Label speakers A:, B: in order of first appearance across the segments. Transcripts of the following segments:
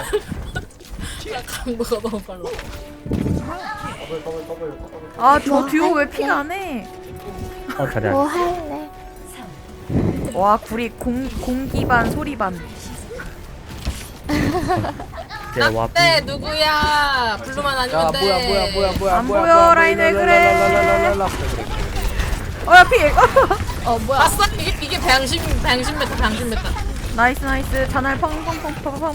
A: 강도가 너무 빨라.
B: 아, 저 듀오 왜 피가 안 해?
C: 잘해.
D: 뭐 할래?
B: 와, 구리 공기 반 소리 반.
A: 네 누구야? 블루만 아니면 돼.
E: 뭐야
B: 안 보여, 라인 왜 그래? 야, 피!
A: 뭐야? 아싸 이게 방심 메타.
B: 나이스, 나이스. 잔알 펑펑펑펑펑펑펑.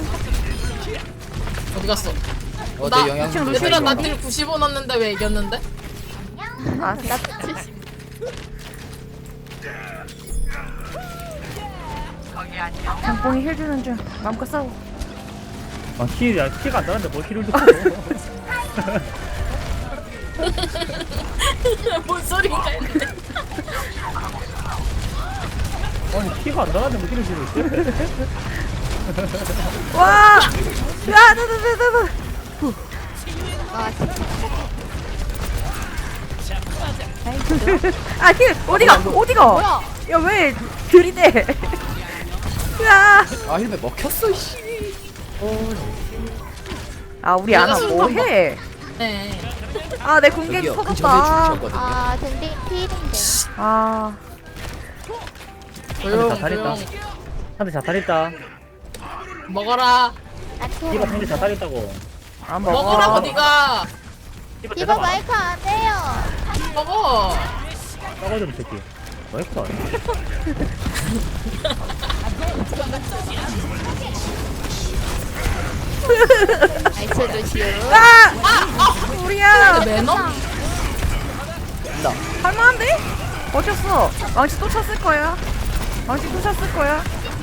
A: 어디 갔어?
E: 내
A: 나
E: 영양
A: 얘들아 나딜 95 넣었는데 왜 이겼는데?
B: 아,
D: 나 70.
B: 장뽕이 힐 주는 중. 마음껏 싸워.
C: 키가 안 나는데 뭘 키를 듣고.
A: 뭔 소리가 있는데?
C: 아니 키가 안 나는데 뭐 키를 주고 있어?
B: 와! 야, 나.
D: 와,
B: 아, 힐! 어디가?
D: 뭐야?
B: 야, 왜 들이대? 야!
E: 아 힐베 먹혔어 씨.
B: 아, 우리 아나 뭐해?
A: 네.
B: 아, 내 공격이
E: 여기요 그 전에
B: 터졌다.
E: 죽으셨거든요.
D: 아, 든딩 필인데.
B: 아,
A: 조용
C: 잘했다.
A: 조용.
C: 한대 자살했다.
A: 먹어라.
D: 나
C: 키가
D: 키워.
C: 한대 자살했다고.
B: 안
A: 먹어라
B: 먹어.
A: 어디가?
C: 키가
D: 이거
C: 대답 안
D: 마이크 안 해요.
A: 먹어.
C: 싸가지고 새끼. 뭐 했어?
D: 나이스 루시오.
B: 우리야!
A: 매너?
B: 할만한데? 어쩌어 망치 또 쳤을 거야. 망치 또 쳤을 거야.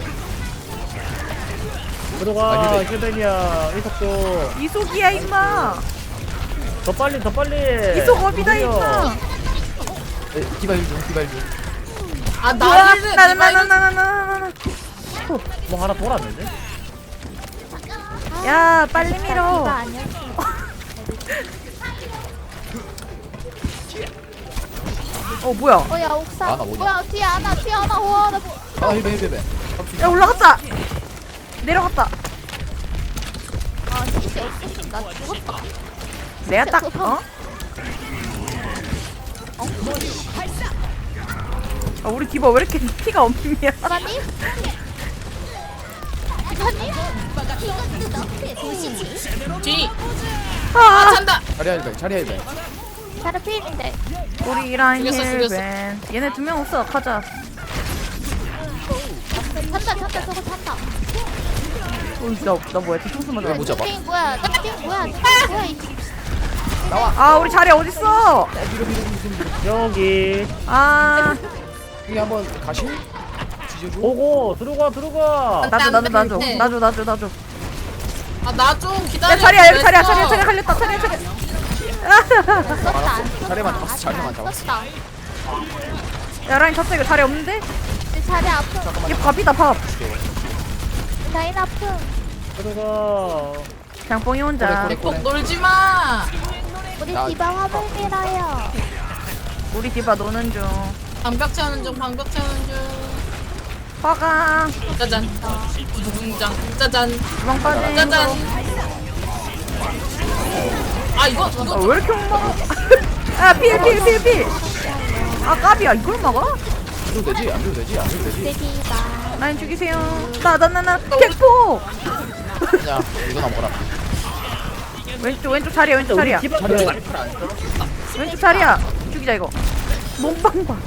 C: 들어가 힐벤이야. 이속도
B: 이속이야, 임마.
C: 더 빨리.
B: 이속 업이다, 임마.
E: 디바 힐 중.
A: 아
B: 뭐야?
A: 나를
B: 나나나나나나나.
C: 뭐 하나 돌았는데?
B: 야, 빨리
D: 이거
B: 밀어.
D: 아니었어.
B: 뭐야?
D: 야, 옥상.
E: 아나 뭐냐?
D: 뭐야, 뒤에 하나. 와, 나 뭐.
E: 아 힐베.
B: 야, 올라갔다. 내려갔다.
D: 아, 진짜 없었으면 나 죽었다.
B: 내가 딱, 아, 우리 디바 왜 이렇게 피가 없냐?
D: 사장님? 사장님?
A: 뒤.
B: 아,
A: 찬다.
E: 자리야 힐베.
D: 다른 필인데.
B: 우리 라인
A: 죽였어.
B: 힐벤. 얘네 2명 없어. 가자.
D: 찬다, 저거 찬다.
B: 나 뭐야? 뒤통수 맞아.
E: 못 잡아.
D: 띵 뭐야? 띵 뭐야? 이
B: 아, 우리 자리 어딨어?
C: 여기
B: 아,
E: 여기 한번 가실? 지져줘.
C: 오고 들어가.
B: 나줘.
A: 아 나 좀 기다려.
B: 야, 자리야, 여기 자리야,
A: 그랬어.
B: 자리야, 걸렸다, 자리야.
D: 썼다.
E: 자리만 잡았어. 자리만 잡았어.
D: 썼다.
B: 야, 라인 쳤어. 이거 자리 없는데?
D: 내 자리 아픔.
B: 이게 밥이다, 밥.
D: 라인 아픔.
C: 들어가.
B: 장뽕이 혼자.
E: 그래.
A: 꼭 놀지 마.
D: 우리
E: 나-
D: 디바 화물 밀어요.
B: 우리 디바 노는 중.
A: 방벽 채우는 중.
B: 화강.
A: 짜잔. 무궁장. 짜잔.
B: 주방 빠진.
A: 짜잔. 아 이거
B: 아, 왜 이렇게 못 막아? 아, 필. 아, 까비야. 이걸 막아?
E: 안 줘도 되지.
D: 내 디바.
B: 라인 죽이세요. 나. 객포!
E: 그냥 이거나 먹어라.
B: 왼쪽 자리야, 왼쪽 자리야.
C: 디바
B: 왼쪽 자리야. 죽이자, 이거. 몸빵 봐.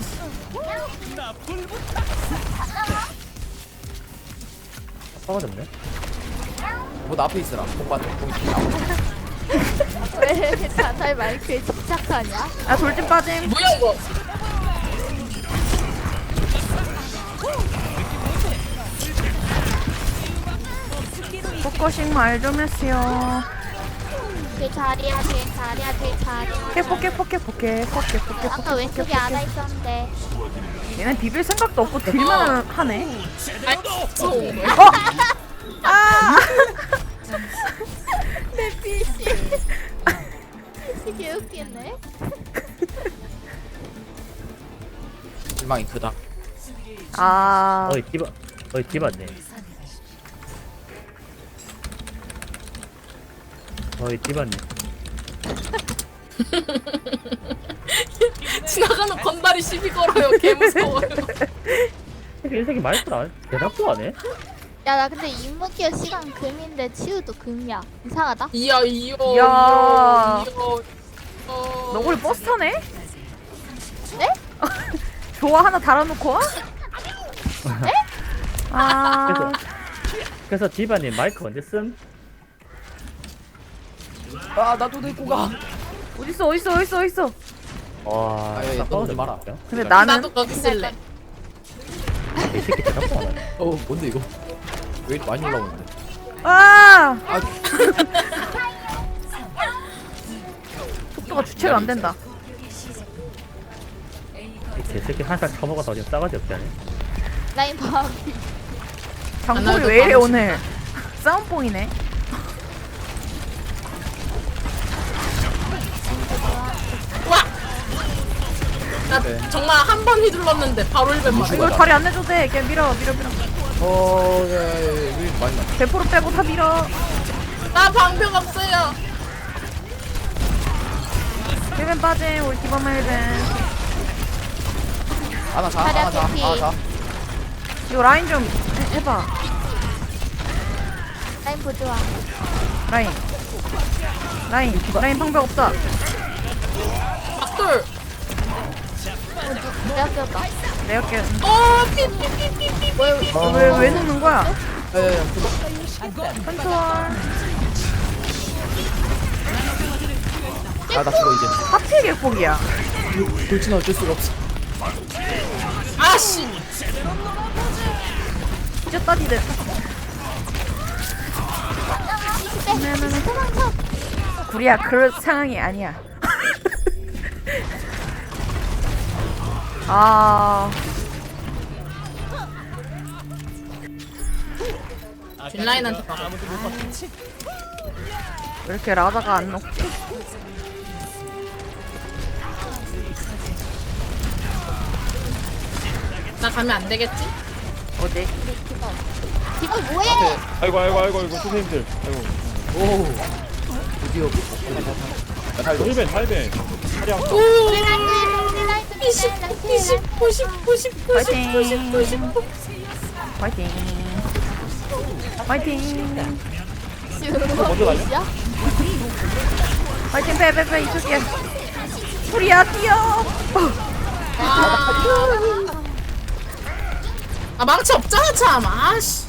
C: 싸가졌네.
E: 뭐 앞에 있어라. 복 받는.
D: 왜 자살 마이크에 집착하냐?
B: 아, 돌진 빠짐.
A: 뭐야 이거?
B: 포커싱 말 좀 했어요.
D: 제 자리야. 아까 왼쪽에 안아 있었는데.
B: 얘는 비빌 생각도 없고 딜만 하네.
A: 아이 소.
B: 아!
D: 내 PC. 되게 웃기네.
E: 실망이 크다.
B: 아,
C: 디바네. 어이 디바님.
A: 지나가는 건달이 시비 걸어요. 개 무서워요.
C: 이 새끼 마이크를 안 대답도 안 해?
D: 야, 나 근데 임무기어 시간 금인데 치우도 금이야. 이상하다.
A: 이야 이요.
B: 이야.
A: 이요.
B: 너구리 버스 타네?
D: 네?
B: 좋아 하나 달아놓고 와?
D: 네?
B: 아
C: 그래서 디바님 마이크 언제 씀?
E: 아 나도 데리고 가.
B: 어딨어
C: 와.
E: 아, 야, 야, 떠오르지 마라.
B: 근데 나는
A: 나도 거기 쓸래.
C: 이 새끼 대답도 안 하네.
E: 뭔데 이거? 왜 이렇게 많이 올라오는데?
B: 아
E: 아
B: 속도가 주체가 안 된다.
C: 이 개새끼 한살 처먹어서 지금 싸가지 없지 않니?
D: 라인 봐.
B: 장소리 왜 이래 오늘? 싸움뽕이네.
A: 나
E: 네.
A: 정말 한 번 휘둘렀는데 바로 1벤 맞아.
B: 이걸 다리 안 내줘도 돼. 그냥 밀어.
E: 왜 이렇게 많이 나?
B: 100% 빼고 다 밀어.
A: 나 방벽 없어요.
B: 1벤 빠짐. 우리 기본만 1벤.
E: 하나 자.
B: 이거 라인 좀 해봐.
D: 라인 보조아.
B: 라인 방벽 없다.
A: 박돌.
D: 내가 껴봐.
B: 내가 할게.
A: 피피피피피.
B: 왜 눕는 거야?
E: 야야야.
B: 컨트롤.
E: 아나 죽어 이제.
B: 하필 개폭이야.
E: 돌진은 어쩔 수가 없어.
A: 아씨.
B: 찢었다 니들.
D: 도망쳐.
B: 구리야 그럴 상황이 아니야. 아
A: 뒷라인한테 봐.
B: 왜 이렇게 라다가 안 녹지?
A: 나 가면 안 되겠지?
B: 어디?
D: 지금 뭐해?
F: 아이고 선생님들 아이고
E: 오. 드디어. 나 살려.
F: 1벤 8벤 차량
D: 우리 라인
A: 20, 90, 90, 90, 90, 90, 90.
B: 화이팅. 화이팅.
F: 먼저 달려?
B: 화이팅 빼 이쪽이야. 구리야 뛰어.
A: 아 망치 없잖아 참. 아씨.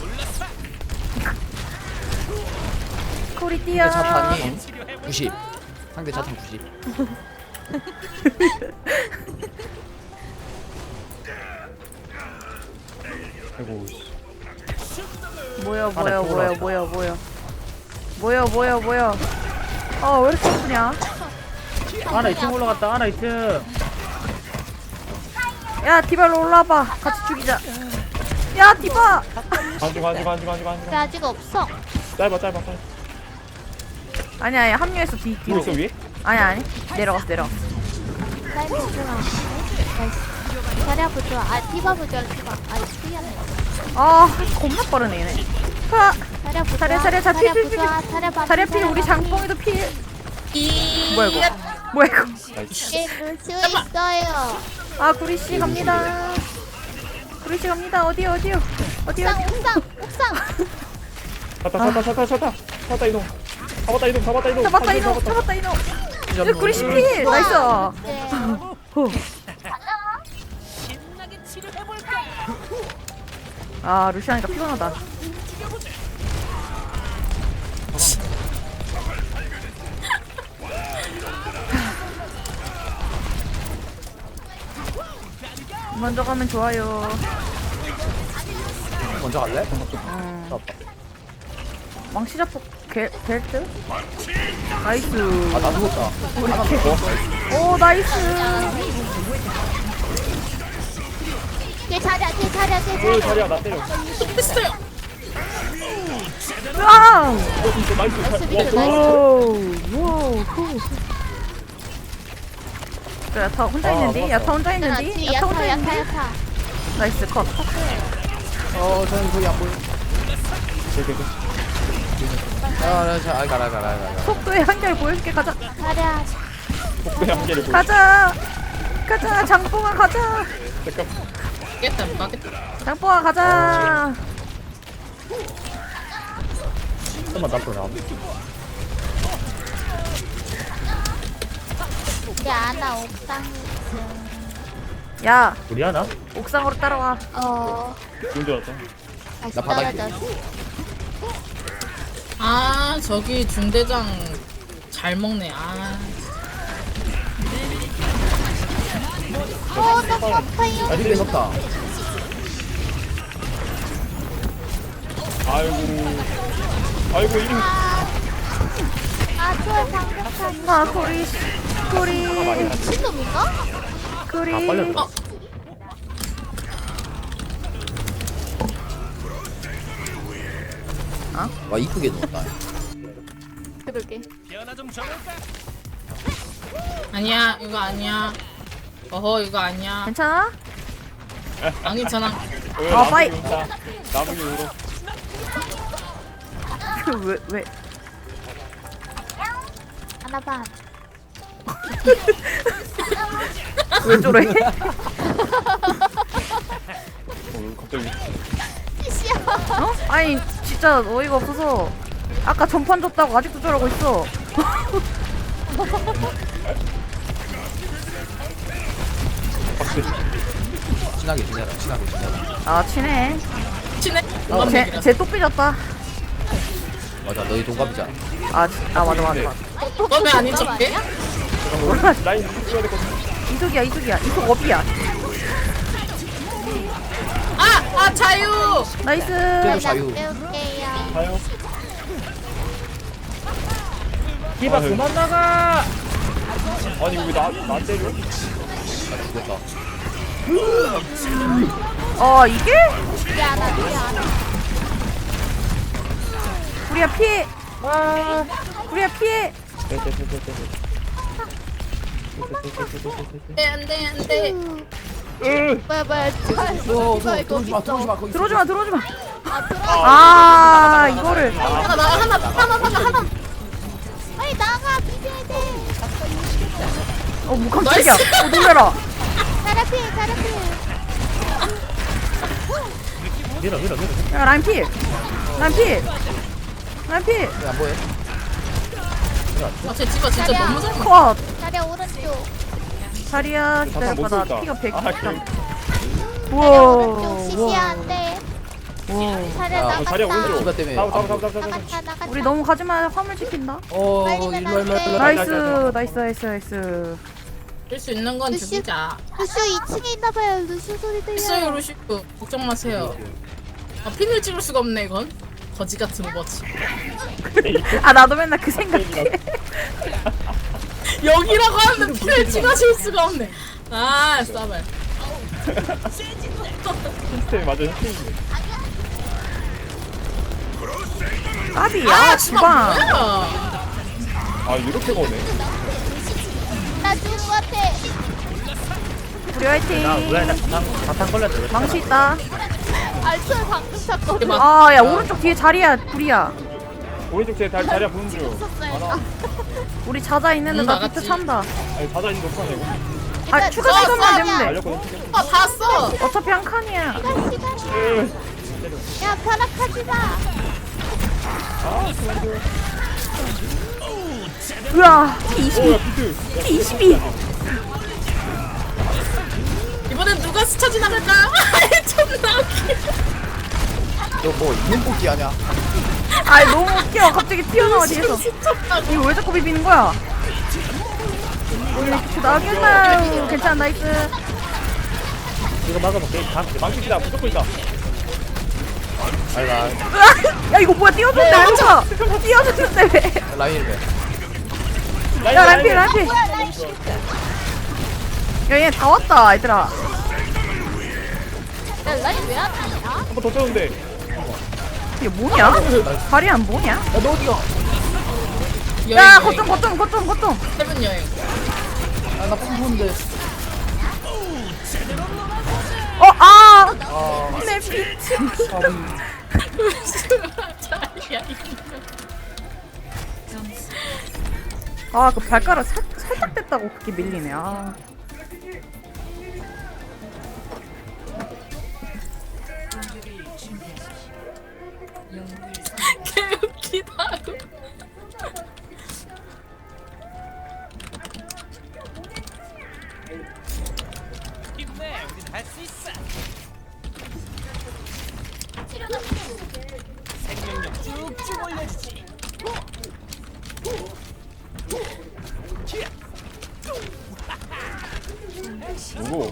B: 구리 뛰어.
E: 상대 자탄이 90. 상대 자탄 90.
F: 아이고
B: 뭐야. 왜 이렇게 아프냐?
C: 아나 2층 올라갔다. 아나 2층.
B: 야 디바로 올라와봐. 같이 죽이자. 야 디바.
F: 간중
D: 나 아직 없어.
F: 짧아
B: 아니야 합류했어 뒤로.
F: 누구 있어 위에?
B: 아니 내려갔어.
D: 라인 보조아. 나이스. 자리야 보조아. 아, 디바 보조아. 디바. 아, 틀렸네.
B: 아 겁나 빠르네 얘네. 아,
D: 자리야 보조아.
B: 자리야, 자,
D: 자리야
B: 필.
D: 보조아. 자리야 봐.
B: 자리야 필 우리 장뽕이도 필. 뭐야 이거?
D: 게임을 수 있어요.
B: 아 구리씨 갑니다. 어디요?
D: 옥상.
F: 탔다 이동 잡았다 이동
B: 잡았다 이놈. 여기 구리씨 필. 나이스.
D: 네.
B: 아 루시아니까 피곤하다. 먼저 가면 좋아요.
E: 먼저 갈래?
B: 망치 잡고 벨트? 나이스.
E: 아나 죽었다. 하나 더.
B: 오 나이스.
D: 뒤에 자리야.
F: 자리야 나 때려
A: 했어요.
B: 와우.
F: 나이스
B: 오. 그래 야타 혼자 있는데? 야타 혼자 있는데? 야타 혼자 있는데?
D: 야타.
B: 나이스 컷.
E: 저는 거기 안 보여. 가라.
B: 속도의 한계를 보여줄게. 가자.
D: 자리야.
F: 복부의 한계를 보여.
B: 가자. 장뽕아 가자.
F: 잠깐.
A: 깼다 못 가겠다.
B: 장뽕아 가자.
C: 좀만 앞으로 나와.
D: 우리 아나 옥상.
B: 야,
C: 우리 하나?
B: 옥상으로 따라와.
F: 좋은 줄 알았어.
D: 다시
E: 나 바닥에.
D: 떨어졌어.
A: 아 저기 중대장 잘 먹네. 아
D: 너무 아파요.
E: 아, 힐 섰다.
F: 아이고 이름.
D: 초월 방격하니.
B: 아, 구리.
D: 미친놈인가?
B: 구리.
C: 아 빨렸다.
E: 와 이쁘게 넣었다.
D: 그러게.
A: 아니야 이거 아니야. 어허 이거 아니야.
B: 괜찮아?
A: 안 괜찮아.
B: 빠이.
F: 나무기 으로.
B: 왜?
D: 하나 반.
B: 왜 저래?
F: 갑자기.
D: 씨야.
B: 어? 아니 진짜 어이가 없어서 아까 전판 줬다고 아직도 저러고 있어.
E: 친하게 지내라.
B: 아 친해.
A: 친해?
B: 쟤또 삐졌다.
E: 맞아, 너희 동갑이잖아.
B: 맞아.
A: 너왜 아닌 척해?
F: 라인 찍어야 될 것 같아.
B: 이속이야. 이속 업이야.
A: 아 자유.
B: 나이스.
E: 그래도 자유.
D: 배울게요.
F: 가요.
C: 디바 그만 나가.
F: 아니 왜 나 때려?
E: 나 죽었다.
B: 이게?
D: 우리 아나.
B: 우리야 피해.
A: 안돼.
D: 뭐야.
E: 들어오지 마. 거기
B: 들어오지 마. 이거를.
A: 하나.
D: 빨리 나가. 비벼야 돼.
B: 뭐 깜짝이야. 놀래라.
D: 자라피.
C: 밀어.
B: 야 라인 필.
E: 안 보여?
A: 아쟤 디바 진짜 너무 잘 먹어.
B: 컷.
D: 자리야 오른쪽.
B: 자리야
F: 잠깐 못
B: 기다려봐. 나
F: 쏘겠다.
B: 피가 100.
F: 아,
D: 오른쪽 시시야
B: 우와.
D: 안 돼. 자리야
E: 아,
D: 나갔다.
F: 자리야 오른쪽.
E: 디바 때문에.
D: 나갔다.
B: 우리 너무 가지마. 화물 지킨다.
D: 빨리는
B: 나이스.
A: 줄 수 있는 건
D: 루시.
A: 죽이자.
D: 루슈 2층에 있나봐요. 루슈 소리
A: 있어요
D: 들려요.
A: 루시. 걱정 마세요. 핀을 찍을 수가 없네 이건. 거지 같은 오버치.
B: 나도 맨날 그 생각해.
A: 여기라고 하는데 핀을 찍어줄 수가 없네. 아 싸발.
F: 시스템 맞아. 시스템.
B: 까비야. 주방.
A: 뭐야?
F: 아 이렇게 거네.
D: 나 죽은 것 같아.
B: 우리 화이팅.
C: 나왜 사탕 걸렸어?
B: 망치 있다.
D: 알초에 방금 찼거든.
B: 야 오른쪽 뒤에 자리야. 불이야.
F: 오른쪽 제 자리야 보는 중.
B: 우리 자자 있는데 나
A: 나갔지.
B: 비트 찬다.
F: 아니 자자 있는 거 어떡하냐고.
B: 추가
A: 써,
B: 시간만
A: 써,
B: 되면 돼.
F: 알렸거든.
A: 다 써.
B: 어차피 한 칸이야.
D: 시간이야. 야 벼락하지 마.
B: 으아.
F: 오야 비트.
B: P22.
A: 이번엔 누가 스쳐 지나갈까? 존나 웃겨.
E: 너뭐 있는 뽑기 하냐?
B: 너무 웃겨. 갑자기 튀어나와 뒤에서. 이거 왜 자꾸 비비는 거야? 나겠나요? 괜찮아. 나이스.
C: 이거 막아볼게.
F: 망치기다 무조건 있다.
E: 알가.
B: 야 이거 뭐야? 띄워줬는데 왜 가? 띄워줬는데 왜?
E: 라인 왜?
B: 야 람피. 야 얘 다 왔다 얘들아.
D: 야 라인 왜안 하냐?
F: 한번 더 쳤는데.
B: 이게 뭐냐? 다리 안 뭐냐?
E: 야너 어디가?
B: 야 거점.
A: 세븐 여행.
E: 나 뽕푸는데.
B: 내 피트.
A: 자리야.
B: 아, 그 발가락 살짝 뗐다고 그렇게 밀리네. 아.
A: 개웃기다.
F: 누구?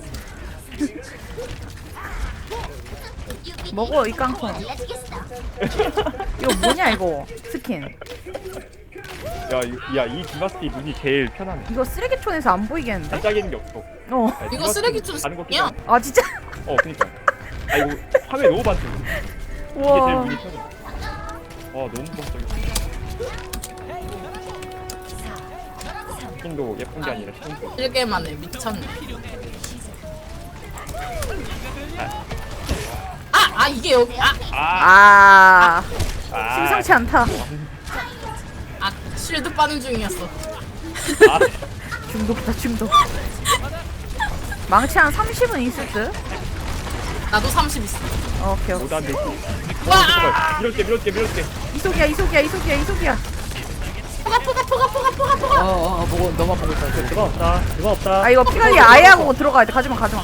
B: 먹어 이 깡통. 이거 뭐냐 이거 스킨.
F: 야이 디바스티 눈이 제일 편하네.
B: 이거 쓰레기촌에서 안 보이겠는데?
F: 반짝이는 게 없어.
B: 어.
F: 야,
A: 이거
F: 디바스티
A: 쓰레기촌
F: 다른 거
A: 스킨이야?
F: 끼잖아.
B: 아 진짜?
F: 그니까. 아 이거 화면 너무 반짝. 이게 제일
B: 우와.
F: 눈이 편해. 너무 반짝이. 스킨도 예쁜 게 아니라 스킨도.
A: 1개만에 미쳤네. 이게 여기
B: 아. 심상치 않다.
A: 쉴드 빠는 중이었어.
B: 중독다 중독. 망치 한 30은 있을 듯?
A: 나도 30 있어.
B: 오케이 오케이.
F: 못한데.
A: 와!
F: 밀었게.
B: 이속이야.
E: 보고 너만 보고 있다.
C: 그거 없다.
B: 아 이거 피 관리 아예 하고 들어가야 돼. 가지마.
E: 가지마.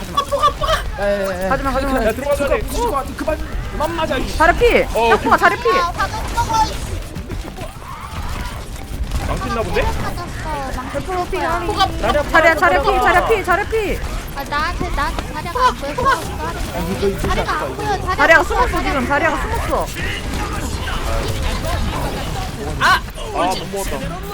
F: 야 들어가자.
E: 그만 맞아.
B: 자리 피. 혁포가 자리 피.
F: 망친나 본데?
D: 맞았어. 망치
B: 자리 피.
D: 아 나한테 자리가 안 보여. 자리가 안 보여.
B: 자리가 숨었어 지금. 자리가 숨었어.
F: 못 먹었다.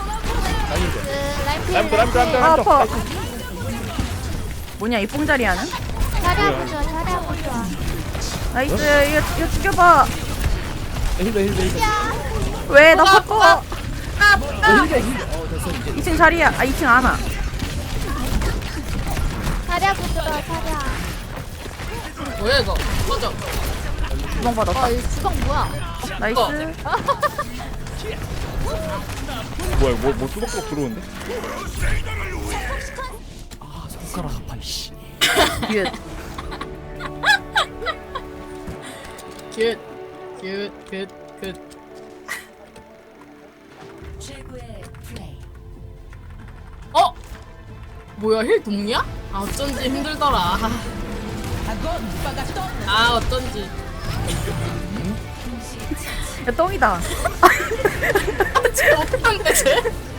D: 라이프
B: 아 아파. 뭐냐 이 뽕자리야는?
D: 자리야 보자. 자리야 보자.
B: 나이스. 이거 죽여봐.
E: 힐.
B: 왜 나 바꿔? 2층 자리야. 2층 안아.
D: 자리야 보자. 자리야.
A: 뭐야 이거? 꺼져.
B: 구멍 받았다.
D: 이 주방 뭐야?
B: 나이스.
F: 뭐야 뭐 뚜벅뚜벅 들어오는데?
E: 손가락 아파 씨.
B: 굿.
A: 굿. 뭐야 힐 동이야? 어쩐지 힘들더라. 어쩐지.
B: 야 똥이다.
A: 쟤 어떡한데 쟤?